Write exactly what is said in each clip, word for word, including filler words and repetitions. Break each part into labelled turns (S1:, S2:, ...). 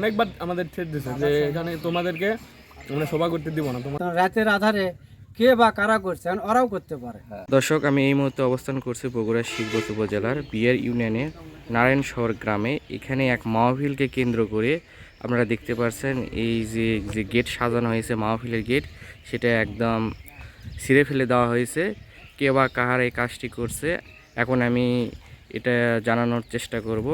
S1: অনেকবার আমাদের ছেড়ে দিয়েছে যে এখানে তোমাদেরকে আমরা সভা করতে দিব না। তোমার
S2: রাতের আধারে কে বা কারা করছে এখন ওরাও করতে পারে।
S3: দর্শক, আমি এই মুহূর্তে অবস্থান করছি বগুড়া শিবগঞ্জ উপজেলার বিয়ার ইউনিয়নের নারায়ণ শহর গ্রামে। এখানে এক মাহফিলকে কেন্দ্র করে আপনারা দেখতে পাচ্ছেন এই যে যে গেট সাজানো হয়েছে, মাহফিলের গেট, সেটা একদম ছিঁড়ে ফেলে দেওয়া হয়েছে। কে বা কাহার এই কাজটি করছে এখন আমি এটা জানানোর চেষ্টা করব।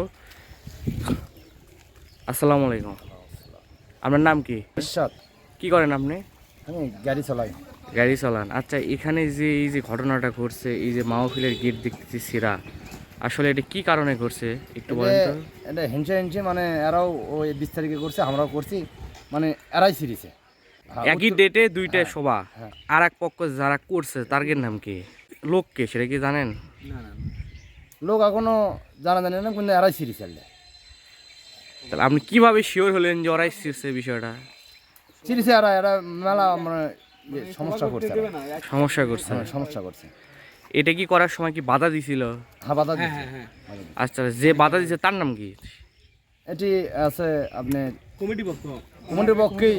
S3: আসসালামু আলাইকুম, আপনার নাম কি?
S2: ঈশ্বর,
S3: কি করেন আপনি?
S2: আমি গাড়ি চালাই।
S3: গাড়ি চালান। আচ্ছা, এখানে যে এই যে ঘটনাটা ঘটছে, এই যে মাহফিলের গেট দেখতেছি ছিঁড়া, আসলে এটা কি কারণে ঘটছে একটু বলেন তো?
S2: এটা হিংসা হিংসে মানে এরাও ওই বিশ তারিখে করছে, আমরাও করছি, মানে এরাই ছিঁড়েছে।
S3: একই ডেটে দুইটা
S2: হ্যাঁ,
S3: সভা,
S2: হ্যাঁ।
S3: আর এক পক্ষ যারা করছে তার নাম কি, লোক কে, সেটা কি জানেন?
S2: লোক এখনো জানা জানে না, কিন্তু এরাই ছিঁড়েছে।
S3: তাহলে আপনি কিভাবে শিওর হলেন যে ওরাই ছিঁড়ছে বিষয়টা?
S2: ছিঁড়েছে এরা, এরা মেলা মানে ইয়ে সমস্যা করছে, এরা।
S3: সমস্যা করছে।
S2: হ্যাঁ, সমস্যা করছে।
S3: এটা কি করার সময় কি বাধা দিছিল?
S2: হ্যাঁ, বাধা দিচ্ছে।
S3: আচ্ছা, যে বাধা দিছে তার নাম কি?
S2: এটি আছে আপনার
S1: কমিটি পক্ষ
S2: কমিটির পক্ষেই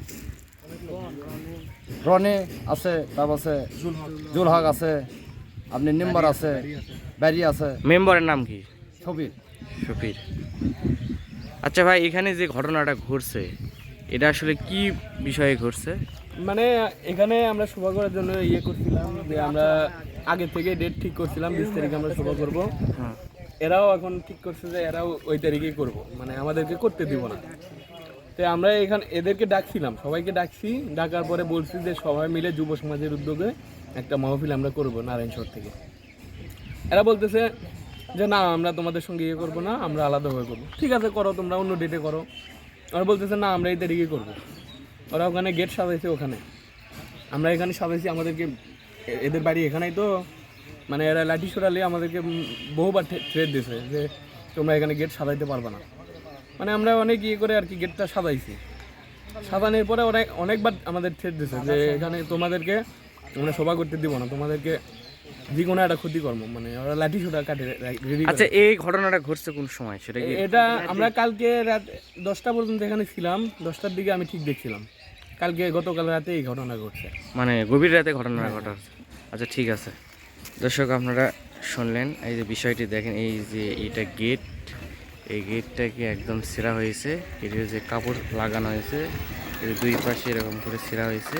S2: রনে আছে, তারপর আছে জুল হক আছে, আপনি নিম্বার আছে, ব্যারি আছে।
S3: মেম্বারের নাম কি?
S2: ছবির
S3: শফির। আচ্ছা ভাই, এখানে যে ঘটনাটা ঘটছে এটা আসলে কি বিষয়ে ঘটছে?
S1: মানে এখানে আমরা সভা করার জন্য ইয়ে করছিলাম যে আমরা আগে থেকে ডেট ঠিক করছিলাম বিশ তারিখে আমরা সভা করব।
S3: হ্যাঁ।
S1: এরাও এখন ঠিক করছে যে এরাও ওই তারিখেই করব, মানে আমাদেরকে করতে দিব না। তো আমরা এখানে এদেরকে ডাকছিলাম, সবাইকে ডাকছি, ডাকার পরে বলছি যে সবাই মিলে যুব সমাজের উদ্যোগে একটা মাহফিল আমরা করব নারায়ণশহর থেকে। এরা বলতেছে যে না, আমরা তোমাদের সঙ্গে ইয়ে করবো না, আমরা আলাদাভাবে করবো। ঠিক আছে, করো, তোমরা অন্য ডেটে করো। ওরা বলতেছে না, আমরা এই তারিখে করবো। ওরা ওখানে গেট সাজাইছে, ওখানে আমরা এখানে সাজাইছি। আমাদেরকে এদের বাড়ি এখানেই তো, মানে এরা লাঠি সরালে আমাদেরকে বহুবার থ্রেট দিয়েছে যে তোমরা এখানে গেট সাজাইতে পারবে না। মানে আমরা অনেক ইয়ে করে আর কি গেটটা সাজাইছি। সাজানোর পরে অনেক অনেকবার আমাদের থ্রেট দিয়েছে যে এখানে তোমাদেরকে আমরা সভা করতে দিব না, তোমাদেরকে যে কোনো একটা ক্ষতিকর্ম, মানে ওরা লাঠি সোটা কাটে রেডি।
S3: আচ্ছা, এই ঘটনাটা ঘটছে কোন সময় সেটা কি?
S1: এটা আমরা কালকে রাত দশটা পর্যন্ত এখানে ছিলাম, দশটার দিকে আমি ঠিক দেখছিলাম। কালকে গতকাল রাতে এই ঘটনা ঘটছে,
S3: মানে গভীর রাতে ঘটনাটা ঘটা হচ্ছে। আচ্ছা ঠিক আছে দর্শক, আপনারা শুনলেন এই যে বিষয়টি। দেখেন এই যে এইটা গেট, এই গেটটাকে একদম ছেঁড়া হয়েছে। এটি যে কাপড় লাগানো হয়েছে, এর দুই পাশে এরকম করে ছেঁড়া হয়েছে।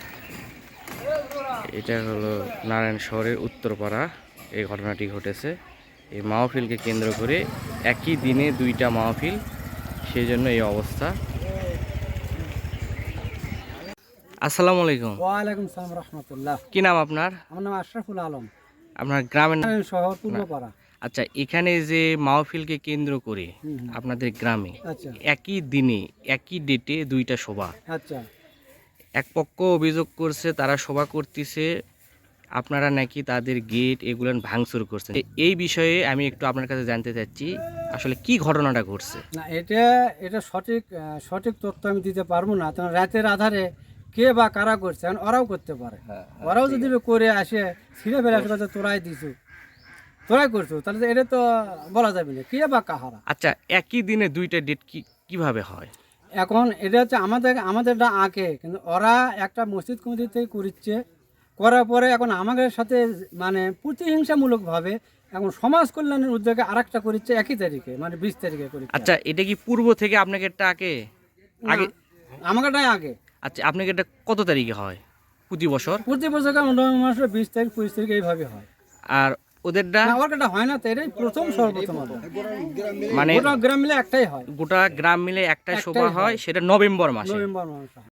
S3: এটা হলো নারায়ণ শহরের উত্তরপাড়া এই ঘটনাটি ঘটেছে। এই মাহফিলকে কেন্দ্র করে একই দিনে দুইটা মাহফিল, সেই জন্য এই অবস্থা। আসসালামু আলাইকুম।
S2: ওয়ালাইকুম সালাম রহমতুল্লাহ।
S3: কি নাম আপনার?
S2: আমার নাম আশরাফুল আলম,
S3: আপনার গ্রামের নাম?
S2: শহর পূর্বপাড়া।
S3: আচ্ছা, এখানে যে মাহফিলকে কেন্দ্র করে আপনাদের গ্রামে
S2: আচ্ছা
S3: একই দিনে একই ডেটে দুইটা সভা,
S2: আচ্ছা
S3: এক পক্ষ অভিযোগ করছে তারা সভা করতেছে, আপনারা নাকি তাদের গেট এগুলো ভাঙচুর করছেন। এই বিষয়ে আমি একটু আপনার কাছে জানতে চাচ্ছি আসলে কি ঘটনাটা ঘটছে।
S2: না, এটা এটা সঠিক আহ, সঠিক তথ্য আমি দিতে পারবো না, কারণ রাতের আধারে কে বা কারা করছে এখন ওরাও করতে পারে। ওরাও যদি করে আসে ছিঁড়ে ফেলে আসে কথা তোরাই দিছু, তোরাই করছো, তাহলে তো এটা তো বলা যাবে না কে বা কাহারা।
S3: আচ্ছা, একই দিনে দুইটা ডেট কি কিভাবে হয়?
S2: এখন এটা হচ্ছে আমাদের আমাদেরটা আঁকে, কিন্তু ওরা একটা মসজিদ কমিটি থেকে করিচ্ছে, করার পরে এখন আমাদের সাথে মানে প্রতিহিংসামূলকভাবে এখন সমাজ কল্যাণের উদ্যোগে আর একটা করিচ্ছে একই তারিখে, মানে বিশ তারিখে করিচ্ছে।
S3: আচ্ছা, এটা কি পূর্ব থেকে আপনাকে একটা আগে আগে
S2: আমাকেটাই আগে।
S3: আচ্ছা, আপনাকে এটা কত তারিখে হয় প্রতি বছর?
S2: প্রতি বছর নভেম্বর মাসের বিশ তারিখ পঁচিশ তারিখ এইভাবে হয়।
S3: আর ওদেরটা?
S2: না, ওরটা হয় না, তো এটাই প্রথম সর্বপ্রথম হবে।
S3: মানে
S2: গোটা গ্রাম মিলে একটাই হয়,
S3: গোটা গ্রাম মিলে একটা সভা হয়, সেটা নভেম্বর মাসে।
S2: নভেম্বর মাসে।